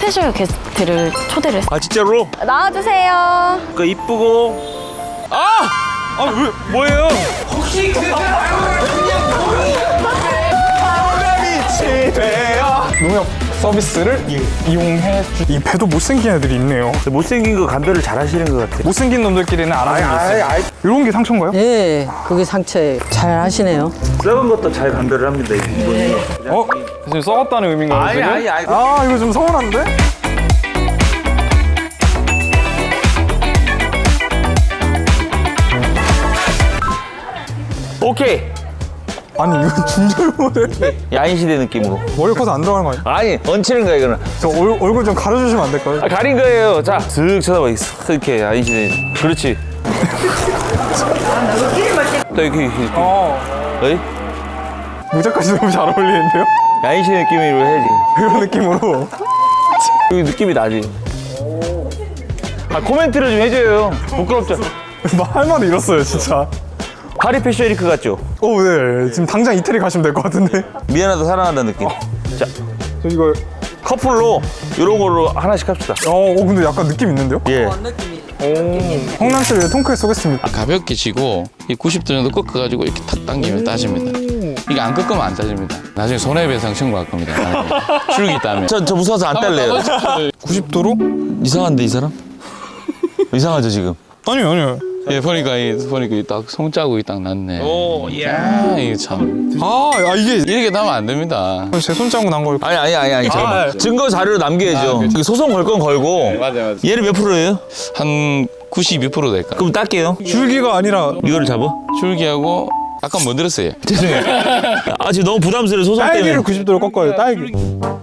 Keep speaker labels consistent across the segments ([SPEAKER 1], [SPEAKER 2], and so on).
[SPEAKER 1] 스페셜 게스트를 초대를 했어요.
[SPEAKER 2] 아 진짜로?
[SPEAKER 1] 나와주세요.
[SPEAKER 2] 그 이쁘고 왜 뭐예요? 혹시
[SPEAKER 3] 농협 서비스를 이용해 이 배도 못생긴 애들이 있네요.
[SPEAKER 2] 못생긴 거 감별을 잘 하시는 것 같아.
[SPEAKER 3] 못생긴 놈들끼리는 알아주고 있어요. 이런 게 상처인가요?
[SPEAKER 4] 네, 그게 상처예요. 잘 하시네요.
[SPEAKER 2] 썩은 것도 잘 감별을 합니다. 이분이.
[SPEAKER 3] 지금 썩었다는 의미인가요?
[SPEAKER 2] 아니,
[SPEAKER 3] 지금?
[SPEAKER 2] 아니, 아니.
[SPEAKER 3] 아 이거 좀 서운한데?
[SPEAKER 2] 오케이.
[SPEAKER 3] 아니 이거 중절 모델
[SPEAKER 2] 야인시대 느낌으로.
[SPEAKER 3] 머리 커서 안 들어가는 거 아니야?
[SPEAKER 2] 아니 얹히는 거야 이거는.
[SPEAKER 3] 저 얼굴 좀 가려주시면 안 될까요?
[SPEAKER 2] 가린 거예요. 자, 슥 쳐다봐. 이렇게 야인시대. 그렇지. 또 이렇게. 어이?
[SPEAKER 3] 모자까지 너무 잘 어울리는데요?
[SPEAKER 2] 야인시대 느낌으로 해야지.
[SPEAKER 3] 이런 느낌으로
[SPEAKER 2] 여기 느낌이 나지. 코멘트를 좀 해줘요. 부끄럽죠?
[SPEAKER 3] 할 말을 잃었어요 진짜.
[SPEAKER 2] 파리 패션 위크 같죠?
[SPEAKER 3] 네. 지금 당장 이태리 가시면 될 것 같은데.
[SPEAKER 2] 미안하다 사랑한다는 느낌. 자,
[SPEAKER 3] 저 이거
[SPEAKER 2] 커플로 이런 걸로 하나씩 합시다.
[SPEAKER 3] 근데 약간 느낌 있는데요?
[SPEAKER 2] 예.
[SPEAKER 3] 홍남 씨를 통크에 쏘겠습니다.
[SPEAKER 5] 가볍게 치고 이 90도 정도 꺾어가지고 이렇게 탁 당기면 따집니다. 이게 안 꺾으면 안 따집니다. 나중에 손해배상 청구할 겁니다. 줄기 따면.
[SPEAKER 2] 저 무서워서 안 딸래요.
[SPEAKER 3] 90도로?
[SPEAKER 2] 이상한데 이 사람? 이상하죠 지금?
[SPEAKER 3] 아니요.
[SPEAKER 5] 예, 보니까 딱 손자국이 딱 났네.
[SPEAKER 2] 오, 야.
[SPEAKER 5] 이게 참.
[SPEAKER 3] 이게
[SPEAKER 5] 이렇게 나면 안 됩니다.
[SPEAKER 3] 제 손자국 난 걸.
[SPEAKER 2] 아니 잠깐만. 증거 자료로 남겨야죠. 이거 소송 걸 건 걸고.
[SPEAKER 5] 맞아요.
[SPEAKER 2] 얘는 몇 프로예요?
[SPEAKER 5] 한 92% 될까?
[SPEAKER 2] 그럼 딸게요.
[SPEAKER 3] 줄기가 아니라
[SPEAKER 2] 이거를 잡아?
[SPEAKER 5] 줄기하고 아까 뭐 들었어요?
[SPEAKER 2] 죄송해요. 지금 너무 부담스러워 소송
[SPEAKER 3] 딸기를
[SPEAKER 2] 때문에.
[SPEAKER 3] 90도로 꺾어요. 딸기.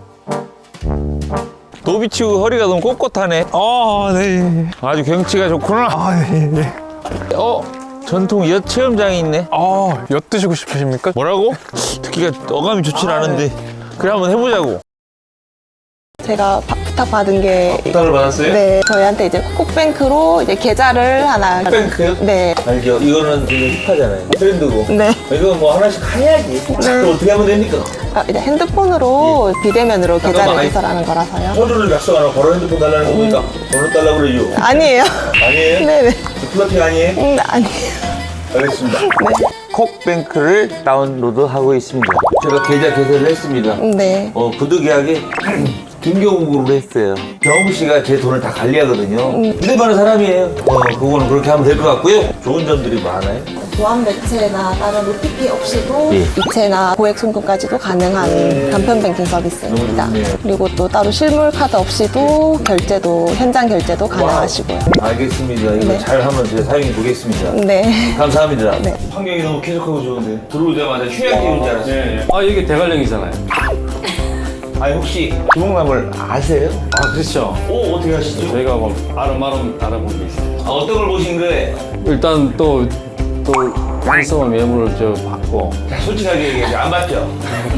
[SPEAKER 2] 노비치고 허리가 너무 꼿꼿하네.
[SPEAKER 3] 네.
[SPEAKER 2] 아주 경치가 좋구나.
[SPEAKER 3] 네.
[SPEAKER 2] 전통 엿 체험장이 있네.
[SPEAKER 3] 엿 드시고 싶으십니까?
[SPEAKER 2] 뭐라고? 듣기가 어감이 좋진 않은데. 그래 한번 해보자고.
[SPEAKER 6] 제가 부탁받은 게
[SPEAKER 2] 부탁을 받았어요?
[SPEAKER 6] 네, 저희한테 이제 콕콕뱅크로 이제 계좌를 하나
[SPEAKER 2] 콕뱅크요?
[SPEAKER 6] 네.
[SPEAKER 2] 알죠. 이거는 되게 힙하잖아요. 트렌드고.
[SPEAKER 6] 네.
[SPEAKER 2] 이거 뭐 하나씩 해야지. 그럼 어떻게 하면 됩니까?
[SPEAKER 6] 이제 핸드폰으로 비대면으로 계좌를
[SPEAKER 2] 잠깐만,
[SPEAKER 6] 개설하는 거라서요.
[SPEAKER 2] 번호를 약속하나 바로 핸드폰 달라는 겁니까? 번호 달라고 그러죠.
[SPEAKER 6] 아니에요.
[SPEAKER 2] 아니에요?
[SPEAKER 6] 네네.
[SPEAKER 2] 플러팅 아니에요?
[SPEAKER 6] 아니에요.
[SPEAKER 2] 알겠습니다. 콕뱅크를 다운로드하고 있습니다. 제가 계좌 개설을 했습니다.
[SPEAKER 6] 네.
[SPEAKER 2] 부득 이하게 등교공부를 했어요. 경호 씨가 제 돈을 다 관리하거든요. 믿을만한 사람이에요. 그거는 그렇게 하면 될 것 같고요. 좋은 점들이 많아요.
[SPEAKER 6] 보안 매체나 다른 OTP 없이도
[SPEAKER 2] 예.
[SPEAKER 6] 이체나 고액 송금까지도 가능한 간편 뱅킹 서비스입니다.
[SPEAKER 2] 너무 좋네요.
[SPEAKER 6] 그리고 또 따로 실물 카드 없이도 결제도 현장 결제도 가능하시고요.
[SPEAKER 2] 알겠습니다. 이거
[SPEAKER 6] 네.
[SPEAKER 2] 잘 한번 제가 사용해 보겠습니다.
[SPEAKER 6] 네.
[SPEAKER 2] 감사합니다.
[SPEAKER 6] 네.
[SPEAKER 2] 환경이 너무 쾌적하고 좋은데 들어오자마자 휴양지 온 줄 알았어요.
[SPEAKER 7] 이게 대관령이잖아요.
[SPEAKER 2] 아니 혹시 주목나물 아세요?
[SPEAKER 7] 그렇죠.
[SPEAKER 2] 어떻게 하시죠?
[SPEAKER 7] 저희가 뭐 아름아름 알아본 게 있어요.
[SPEAKER 2] 어떤 걸 보신 거예요?
[SPEAKER 7] 일단 또 한성원 매물을 받고
[SPEAKER 2] 솔직하게 얘기해서 안 봤죠?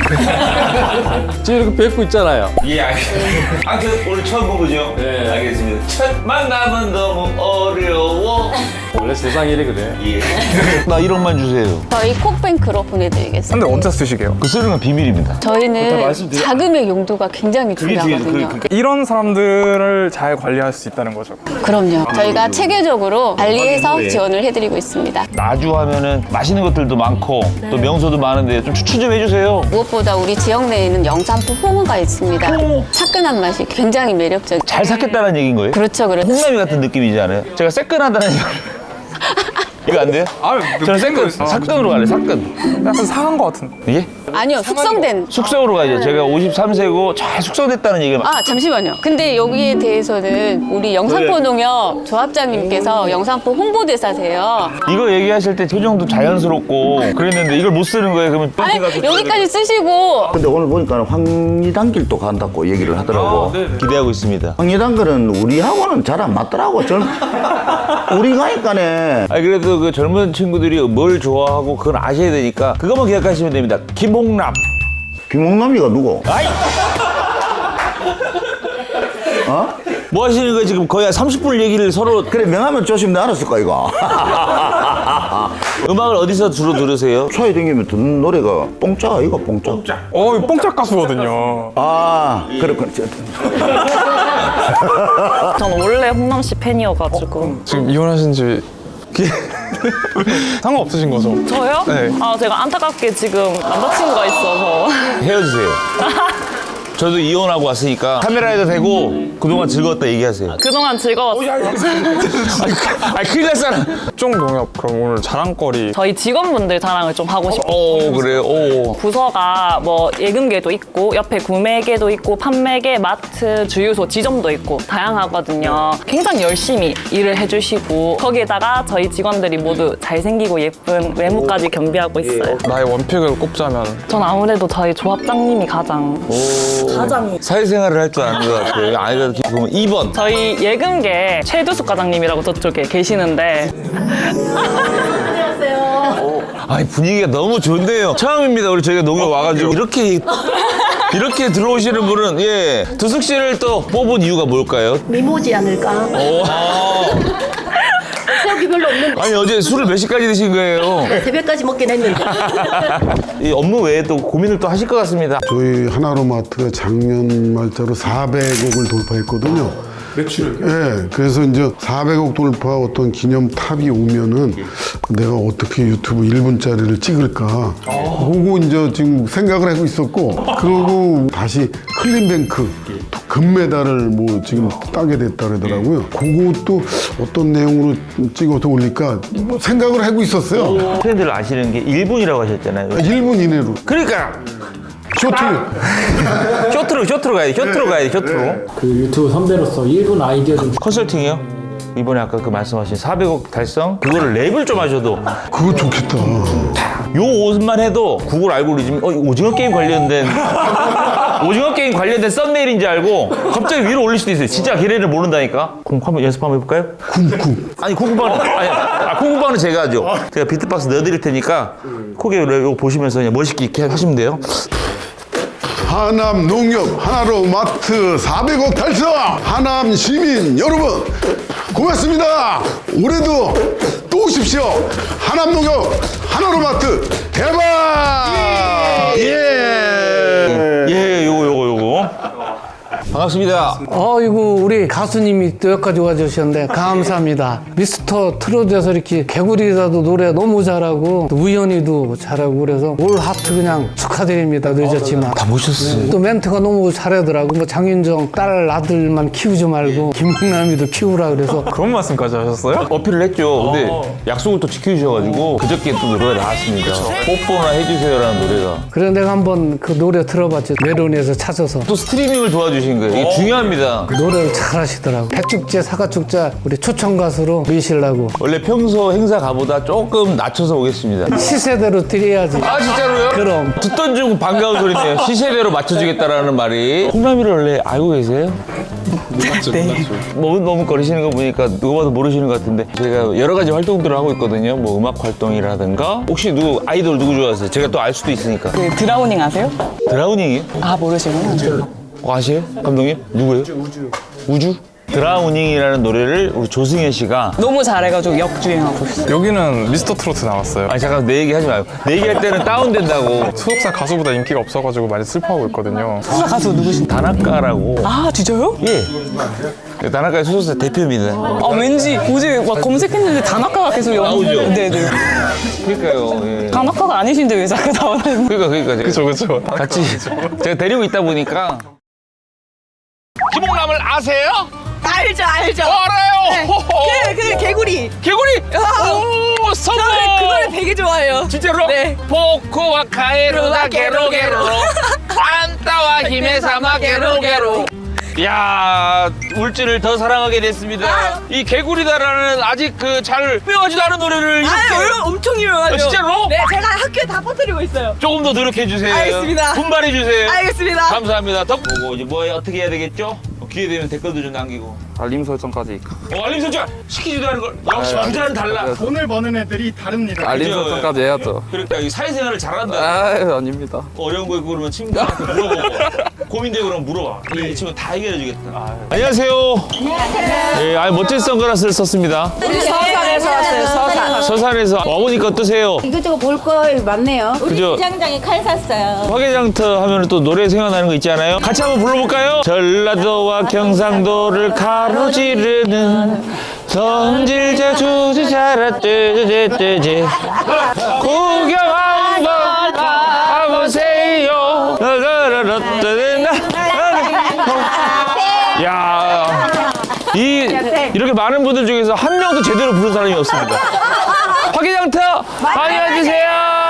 [SPEAKER 7] 지금 이렇게 뵙고 있잖아요.
[SPEAKER 2] 예, 알겠습니다. 오늘 처음 본 거죠?
[SPEAKER 7] 네.
[SPEAKER 2] 알겠습니다. 첫 만남은 너무 어려워.
[SPEAKER 7] 원래 세상이 이래거든.
[SPEAKER 2] 예. 나 1억만 주세요.
[SPEAKER 1] 저희 콕뱅크로 보내드리겠습니다.
[SPEAKER 3] 근데 언제 쓰시게요?
[SPEAKER 2] 그 쓰는 건 비밀입니다.
[SPEAKER 1] 저희는 자금의 용도가 굉장히 중요하거든요.
[SPEAKER 3] 이런 사람들을 잘 관리할 수 있다는 거죠.
[SPEAKER 1] 그럼요. 저희가 체계적으로 관리해서 지원을 해드리고 있습니다.
[SPEAKER 2] 나주 하면은 맛있는 것들도 많고 또 명소도 많은데 좀 추천 좀 해주세요.
[SPEAKER 1] 무엇보다 우리 지역 내에는 영산포 홍어가 있습니다. 차끈한 맛이 굉장히 매력적이에요.
[SPEAKER 2] 잘 샀겠다는 얘기인 거예요?
[SPEAKER 1] 그렇죠, 그렇죠.
[SPEAKER 2] 홍남이 같은 느낌이지 않아요? 제가 새끈하다는 이거 안 돼요? 저는 새끈, 삭근으로 갈래요, 삭근.
[SPEAKER 3] 약간 상한 것 같은데.
[SPEAKER 2] 예?
[SPEAKER 1] 아니요, 숙성된.
[SPEAKER 2] 숙성으로 가죠. 제가 53세고 잘 숙성됐다는 얘기가
[SPEAKER 1] 잠시만요. 근데 여기에 대해서는 우리 영산포 농협 조합장님께서 영산포 홍보대사세요.
[SPEAKER 2] 이거 얘기하실 때 표정도 자연스럽고 그랬는데 이걸 못 쓰는 거예요. 그러면
[SPEAKER 1] 아니, 여기까지 쓰시고.
[SPEAKER 8] 근데 오늘 보니까 황리단길도 간다고 얘기를 하더라고.
[SPEAKER 2] 기대하고 있습니다.
[SPEAKER 8] 황리단길은 우리하고는 잘 안 맞더라고. 우리 가니까네.
[SPEAKER 2] 아니 그래도 그 젊은 친구들이 뭘 좋아하고 그건 아셔야 되니까 그것만 기억하시면 됩니다. 김홍남.
[SPEAKER 8] 김홍남이가 누구?
[SPEAKER 2] 아이! 뭐 하시는 거예요? 지금 거의 한 30분 얘기를 서로.
[SPEAKER 8] 그래 명하면 조심 내 알았을까 이거.
[SPEAKER 2] 음악을 어디서 주로 들으세요?
[SPEAKER 8] 차에 댕기면 듣는 노래가 뽕짜가 이거 뽕짜.
[SPEAKER 3] 이 뽕짝 가수거든요.
[SPEAKER 8] 아 그렇군.
[SPEAKER 9] 저는 원래 홍남 씨 팬이어가지고.
[SPEAKER 3] 지금 이혼하신 지 상관없으신 거죠?
[SPEAKER 9] 저요?
[SPEAKER 3] 네.
[SPEAKER 9] 아, 제가 안타깝게 지금 남자친구가 있어서.
[SPEAKER 2] 헤어지세요. 저도 이혼하고 왔으니까 카메라에도 대고 그동안 즐거웠다 얘기하세요.
[SPEAKER 9] 그동안 즐거웠어요.
[SPEAKER 2] 아니 큰일 날 사람.
[SPEAKER 3] 특정농협 그럼 오늘 자랑거리.
[SPEAKER 9] 저희 직원분들 자랑을 좀 하고 싶어요.
[SPEAKER 2] 그래요? 오.
[SPEAKER 9] 부서가 뭐 예금계도 있고 옆에 구매계도 있고 판매계, 마트, 주유소, 지점도 있고 다양하거든요. 굉장히 열심히 일을 해주시고 거기에다가 저희 직원들이 모두 잘생기고 예쁜 외모까지 겸비하고 있어요.
[SPEAKER 3] 나의 원픽을 꼽자면
[SPEAKER 9] 전 아무래도 저희 조합장님이 가장
[SPEAKER 2] 사회생활을 할 줄 아는 것 같아요. 아이가 보면 2번.
[SPEAKER 9] 저희 예금계 최두숙 과장님이라고 저쪽에 계시는데
[SPEAKER 2] 아니 분위기가 너무 좋은데요. 처음입니다. 우리 저희가 농협 와가지고 이렇게 들어오시는 분은 예 두숙 씨를 또 뽑은 이유가 뭘까요?
[SPEAKER 10] 미모지 않을까? 세우기 별로 없는데
[SPEAKER 2] 아니 어제 술을 몇 시까지 드신 거예요?
[SPEAKER 10] 새벽까지 먹긴 했는데.
[SPEAKER 2] 이 업무 외에 또 고민을 또 하실 것 같습니다.
[SPEAKER 11] 저희 하나로마트가 작년 말자로 400억을 돌파했거든요. 매출을? 예, 그래서 이제 400억 돌파 어떤 기념 탑이 오면은 내가 어떻게 유튜브 1분짜리를 찍을까. 그거 이제 지금 생각을 하고 있었고, 그러고 다시 클린뱅크 금메달을 뭐 지금 따게 됐다 그러더라고요. 그것도 어떤 내용으로 찍어서 올릴까 뭐 생각을 하고 있었어요.
[SPEAKER 2] 트렌드를 아시는 게 1분이라고 하셨잖아요.
[SPEAKER 11] 1분 이내로.
[SPEAKER 2] 그러니까
[SPEAKER 11] 쇼트.
[SPEAKER 2] 쇼트로 가야 돼. 쇼트로.
[SPEAKER 12] 그 유튜브 선배로서 1분 아이디어 좀
[SPEAKER 2] 컨설팅이요? 이번에 아까 그 말씀하신 400억 달성? 그거를 랩을 좀 하셔도
[SPEAKER 11] 그거 좋겠다.
[SPEAKER 2] 요 옷만 해도 구글 알고리즘이 오징어 게임 관련된 썸네일인지 알고 갑자기 위로 올릴 수도 있어요. 진짜 걔네를 모른다니까. 그럼 한번 연습 한번 해볼까요?
[SPEAKER 11] 쿵쿵.
[SPEAKER 2] 아니 콩쿠방은 제가 하죠. 제가 비트박스 넣어드릴 테니까 코게 이거 보시면서 그냥 멋있게 이렇게 하시면 돼요.
[SPEAKER 11] 하남 농협 하나로마트 400억 달성! 하남 시민 여러분 고맙습니다. 올해도 또 오십시오. 하남 농협 하나로마트 대박!
[SPEAKER 2] 예, 요거. 반갑습니다.
[SPEAKER 4] 아이고 우리 가수님이 또 여기까지 와주셨는데 감사합니다. 미스터 트롯에서 이렇게 개구리라도 노래 너무 잘하고 또 우연히도 잘하고 그래서 올 하트 그냥 축하드립니다. 늦었지만
[SPEAKER 2] 다 모셨어요.
[SPEAKER 4] 또 멘트가 너무 잘하더라고. 뭐 장윤정 딸 아들만 키우지 말고 김홍남이도 키우라 그래서
[SPEAKER 3] 그런 말씀까지 하셨어요?
[SPEAKER 2] 어필을 했죠. 근데 약속을 또 지켜주셔가지고 그저께 또 노래가 나왔습니다. 뽀뽀나 해주세요라는 노래가.
[SPEAKER 4] 그래 내가 한번 그 노래 들어봤지. 메론에서 찾아서
[SPEAKER 2] 또 스트리밍을 도와주신 거예요. 이게 중요합니다.
[SPEAKER 4] 노래를 잘하시더라고. 백축제 사과축제 우리 초청 가수로 미시려고
[SPEAKER 2] 원래 평소 행사 가보다 조금 낮춰서 오겠습니다.
[SPEAKER 4] 시세대로 드려야지.
[SPEAKER 2] 아 진짜로요?
[SPEAKER 4] 그럼.
[SPEAKER 2] 듣던 중 반가운 소리네요. 시세대로 맞춰주겠다라는 말이. 홍남이를 원래 알고 계세요?
[SPEAKER 3] 네.
[SPEAKER 2] 머뭇거리시는 거 보니까 누가 봐도 모르시는 것 같은데 제가 여러 가지 활동들을 하고 있거든요. 뭐 음악 활동이라든가 혹시 아이돌 누구 좋아하세요? 제가 또 알 수도 있으니까.
[SPEAKER 9] 그 드라우닝 아세요?
[SPEAKER 2] 드라우닝이요?
[SPEAKER 9] 아, 모르시구나.
[SPEAKER 2] 아세요? 감독님? 누구예요? 우주? 드라우닝이라는 노래를 우리 조승현 씨가
[SPEAKER 9] 너무 잘해가지고 역주행하고 있어요.
[SPEAKER 3] 여기는 미스터 트로트 나왔어요.
[SPEAKER 2] 아니 잠깐 내 얘기 하지 마요. 내 얘기할 때는 다운된다고.
[SPEAKER 3] 소속사 가수보다 인기가 없어가지고 많이 슬퍼하고 있거든요.
[SPEAKER 9] 가수 누구신데?
[SPEAKER 2] 다나카라고.
[SPEAKER 9] 아, 진짜요?
[SPEAKER 2] 예. 다나카의 소속사 대표입니다.
[SPEAKER 9] 아, 왠지 어제 막 검색했는데 다나카가 계속
[SPEAKER 2] 나오죠?
[SPEAKER 9] 네네.
[SPEAKER 2] 그러니까요. 예.
[SPEAKER 9] 다나카가 아니신데 왜 자꾸 나오는?
[SPEAKER 2] 그러니까 제가
[SPEAKER 3] 그쵸.
[SPEAKER 2] 같이 제가 데리고 있다 보니까. 김홍남을 아세요?
[SPEAKER 10] 알죠.
[SPEAKER 2] 알아요.
[SPEAKER 10] 그 개구리.
[SPEAKER 2] 개구리. 오 성공.
[SPEAKER 10] 그 노래 되게 좋아해요.
[SPEAKER 2] 진짜로?
[SPEAKER 10] 네.
[SPEAKER 2] 포코와 카에루가 게로게로 안타와 힘의 사마 게로게로. 야 울지를 더 사랑하게 됐습니다. 이 개구리다라는 아직 그 잘 유명하지도 않은 노래를 이렇게
[SPEAKER 10] 엄청 유명하죠.
[SPEAKER 2] 진짜로?
[SPEAKER 10] 네, 제가 학교에 다 퍼뜨리고 있어요.
[SPEAKER 2] 조금 더 노력해 주세요.
[SPEAKER 10] 알겠습니다.
[SPEAKER 2] 분발해 주세요.
[SPEAKER 10] 알겠습니다.
[SPEAKER 2] 감사합니다. 덕보고 이제 뭐 어떻게 해야 되겠죠? 기회 되면 댓글도 좀 남기고.
[SPEAKER 3] 알림 설정까지.
[SPEAKER 2] 알림 설정 시키지도 않은 걸. 역시 부자는 달라.
[SPEAKER 12] 돈을 버는 애들이 다릅니다.
[SPEAKER 3] 알림 설정까지 해야죠.
[SPEAKER 2] 그러니까 이 사회생활을 잘한다.
[SPEAKER 3] 아 아닙니다.
[SPEAKER 2] 어려운 거 있고 그러면 친구한테 물어보고. 고민되고 그럼 물어봐. 이 친구 다 해결해 주겠다. 안녕하세요. 예, 아니 멋진 선글라스를 썼습니다.
[SPEAKER 10] 우리 서산에서 왔어요. 서산.
[SPEAKER 2] 서산에서 와보니까 어떠세요?
[SPEAKER 13] 이것저것 볼 거 많네요.
[SPEAKER 2] 그죠?
[SPEAKER 10] 장장이 칼 샀어요.
[SPEAKER 2] 화개장터 하면 또 노래 생각나는 거 있지 않아요? 같이 한번 불러볼까요? 전라도와 경상도를 가로지르는 성질 자주지 자라뜨뜨뜨지 구경 한번 가보세요. 야, 이렇게 많은 분들 중에서 한 명도 제대로 부른 사람이 없습니다. 화개장터 많이 와주세요.